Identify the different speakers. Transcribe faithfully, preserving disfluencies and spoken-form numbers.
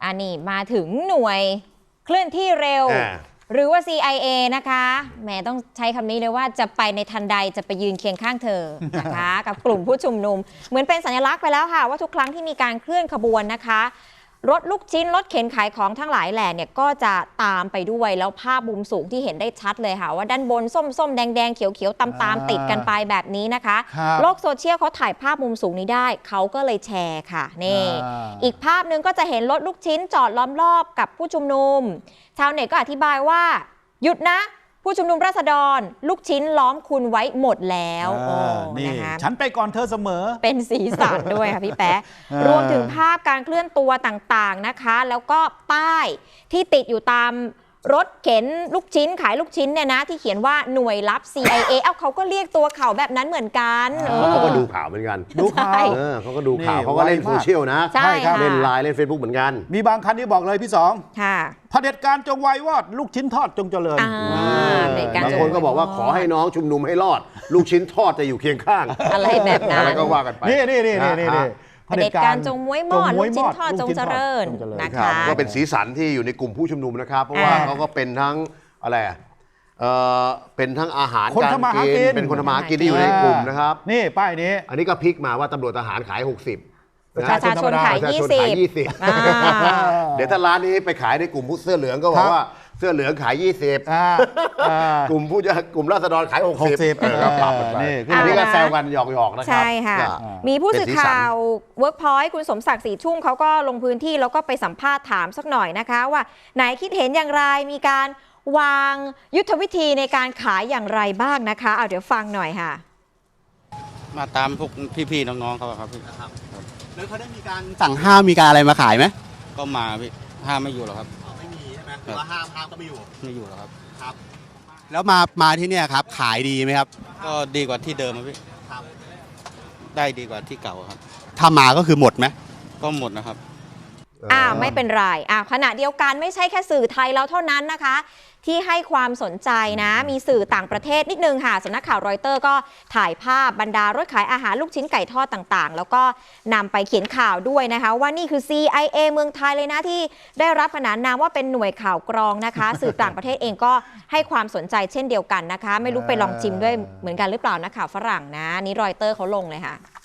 Speaker 1: อันนี้มาถึงหน่วยเคลื่อนที่เร็วหรือว่า ซี ไอ เอ นะคะแหมต้องใช้คำนี้เลยว่าจะไปในทันใดจะไปยืนเคียงข้างเธอนะคะ กับกลุ่มผู้ชุมนุมเหมือนเป็นสัญลักษณ์ไปแล้วค่ะว่าทุกครั้งที่มีการเคลื่อนขบวนนะคะรถลูกชิ้นรถเข็นขายของทั้งหลายแหล่เนี่ยก็จะตามไปด้วยแล้วภาพมุมสูงที่เห็นได้ชัดเลยค่ะว่าด้านบนส้มส้มแดงแดงเขียวเขียวตามตามติดกันไปแบบนี้นะคะโลกโซเชียลเขาถ่ายภาพมุมสูงนี้ได้เขาก็เลยแชร์ค่ะนี่อีกภาพนึงก็จะเห็นรถลูกชิ้นจอดล้อมรอบกับผู้ชุมนุมชาวเน็ตก็อธิบายว่าหยุดนะผู้ชุมนุมราษฎรลูกชิ้นล้อมคุณไว้หมดแล้ว
Speaker 2: นี่ฉันไปก่อนเธอเสมอ
Speaker 1: เป็นสีสันด้วยค่ะพี่แป๊ะรวมถึงภาพการเคลื่อนตัวต่างๆนะคะแล้วก็ป้ายที่ติดอยู่ตามรถเข็นลูกชิ้นขายลูกชิ้นเนี่ยนะที่เขียนว่าหน่วยลับ ซี ไอ เอ เอ้าเขาก็เรียกตัวเขาแบบนั้นเหมือนกัน
Speaker 3: เขาก็ดูข่าวเหมือนกัน
Speaker 2: ดูข่าว
Speaker 3: เขาก็ดูข่าวเขาก็เล่นโซเชียลนะ
Speaker 1: ใช่ค่ะ
Speaker 3: เล่นไลน์เล่นเฟซบุ๊กเหมือนกัน
Speaker 2: มีบางคันที่บอกเลยพี่สอง
Speaker 1: ค่ะ
Speaker 2: เผด็จการจงไววอดลูกชิ้นทอดจงเจริญ
Speaker 3: บางคนก็บอกว่าขอให้น้องชุมนุมให้รอดลูกชิ้นทอดจะอยู่เคียงข้าง
Speaker 1: อะไรแบบนั้น
Speaker 3: อะไรก็ว่ากันไป
Speaker 2: นี่นี่นี่นี่นี่
Speaker 1: เผด็จการจงม้วยมอดลูกชิ้นทอดจงเจริญนะคะ
Speaker 3: ก็เป็นสีสันที่อยู่ในกลุ่มผู้ชุมนุมนะครับเพราะว่าเขาก็เป็นทั้งอะไรเออเป็นทั้งอาหารการกินเป็นคนทำมาหากินที่อยู่ในกลุ่มนะครับ
Speaker 2: นี่ป้ายนี้
Speaker 3: อันนี้ก็พลิกมาว่าตำรวจทหารขายหกสิบ
Speaker 1: ประชาชนขายยี่สิบ
Speaker 3: เดี๋ยวถ้าร้านนี้ไปขายในกลุ่มผู้เสื้อเหลืองก็บอกว่าเสื้อเหลืองขายยี่สิบกลุ่มผู้จะกลุ่มราษฎรขายหกสิบก็ปรับกันไปอันนี้ก็แซวกันหยอกๆนะครับ
Speaker 1: ใช่ค่ะมีผู้สื่อข่าว Workpoint คุณสมศักดิ์ศรีชุ่มเขาก็ลงพื้นที่แล้วก็ไปสัมภาษณ์ถามสักหน่อยนะคะว่าไหนคิดเห็นอย่างไรมีการวางยุทธวิธีในการขายอย่างไรบ้างนะคะเอาเดี๋ยวฟังหน่อยค่ะ
Speaker 4: มาตามพวกพี่ๆน้องๆเขาครับพี่
Speaker 5: ครับแล้วเขาได้มีการสั่งห้ามมีการอะไรมาขายไหม
Speaker 4: ก็มาพี่ห้ามไม่อยู่หรอกครับ
Speaker 5: ไม่มีใช่ไหมหรือว่าห้ามห้ามก็ไม่อยู่
Speaker 4: ไม่อยู่หรอกครับ
Speaker 5: ครับแล้วมามาที่เนี่ยครับขายดีไหมครับ
Speaker 4: ก็ดีกว่าที่เดิมพี่ครับได้ดีกว่าที่เก่าครับ
Speaker 5: ถ้ามาก็คือหมดไหม
Speaker 4: ก็หมดนะครับ
Speaker 1: อ่าไม่เป็นไรอ่าขณะเดียวกันไม่ใช่แค่สื่อไทยแล้วเท่านั้นนะคะที่ให้ความสนใจนะมีสื่อต่างประเทศนิดนึงค่ะสำนักข่าวรอยเตอร์ก็ถ่ายภาพบรรดารถขายอาหารลูกชิ้นไก่ทอดต่างๆแล้วก็นำไปเขียนข่าวด้วยนะคะว่านี่คือ ซี ไอ เอ เมืองไทยเลยนะที่ได้รับขนานนามว่าเป็นหน่วยข่าวกรองนะคะสื่อต่างประเทศเองก็ให้ความสนใจเช่นเดียวกันนะคะไม่รู้ไปลองชิมด้วยเหมือนกันหรือเปล่านักข่าวฝรั่งนะนี่รอยเตอร์เขาลงเลยค่ะ